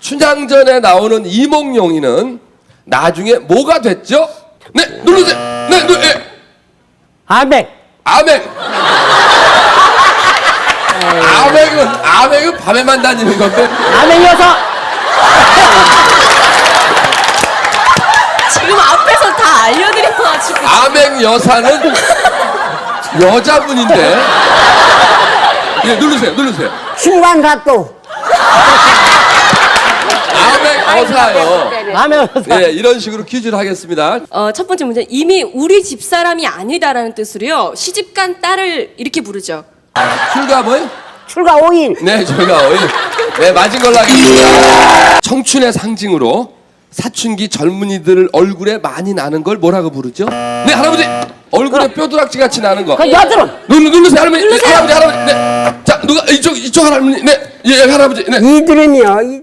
춘향전에 나오는 이몽룡이는 나중에 뭐가 됐죠? 네, 누르세요. 네, 네. 아멘. 아맹. 아맹은 밤에만 다니는 건데. 아멘 여사. 지금 앞에서 다 알려드려가지고. 아맹 여사는 여자분인데. 예, 누르세요. 신관사또 아맹 여사요. 아멘 여사. 예, 이런 식으로 퀴즈를 하겠습니다. 첫 번째 문제. 이미 우리 집사람이 아니다라는 뜻으로요. 시집간 딸을 이렇게 부르죠. 출가 뭐요? 출가 5일 네, 저희가 네, 맞은 걸로 하겠습니다. 청춘의 상징으로 사춘기 젊은이들 얼굴에 많이 나는 걸 뭐라고 부르죠? 네, 할아버지. 얼굴에 뼈두락지 같이 나는 거. 그 여드름 누르세요, 할머니. 누르세요. 할아버지. 네. 자, 누가 이쪽 할아버지. 네, 예, 할아버지. 네. 이드름이요